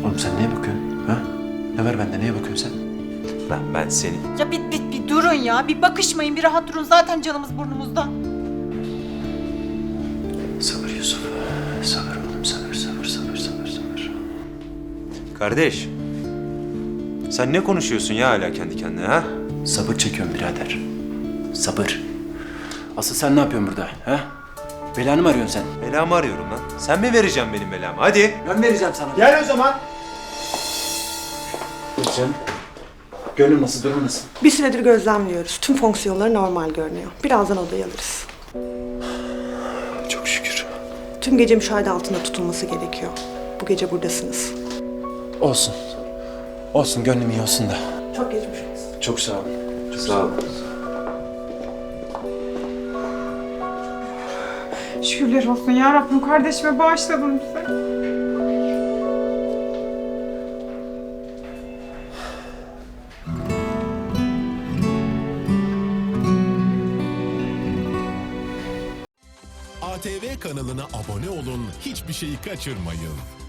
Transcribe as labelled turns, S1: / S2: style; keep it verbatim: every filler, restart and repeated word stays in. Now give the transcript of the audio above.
S1: Oğlum sen neye bakıyorsun? Ha? Ne var bende, neye bakıyorsun sen?
S2: Ben, ben seni...
S3: Ya bir, bir, bir durun ya. Bir bakışmayın, bir rahat durun. Zaten canımız burnumuzda.
S1: Sabır Yusuf. Sabır oğlum, sabır, sabır, sabır, sabır, sabır.
S2: Kardeş, sen ne konuşuyorsun ya hala kendi kendine ha?
S1: Sabır çekiyorum birader. Sabır. Asıl sen ne yapıyorsun burada? Ha? Belanı mı arıyorsun sen?
S2: Belamı arıyorum lan. Sen mi vereceksin benim belamı? Hadi.
S1: Ben vereceğim sana.
S2: Gel o zaman.
S1: Canım. Gönlün nasıl, durum nasıl?
S4: Bir süredir gözlemliyoruz. Tüm fonksiyonları normal görünüyor. Birazdan odaya alırız.
S1: Çok şükür.
S4: Tüm gece müşahede altında tutulması gerekiyor. Bu gece buradasınız.
S1: Olsun. Olsun, gönlüm iyi olsun da.
S4: Çok geçmiş olsun.
S1: Çok sağ olun. Çok
S2: Sağ ol.
S5: Şükürler olsun ya Rabbim, kardeşime bağışladın bize.
S6: A T V kanalına abone olun, hiçbir şeyi kaçırmayın.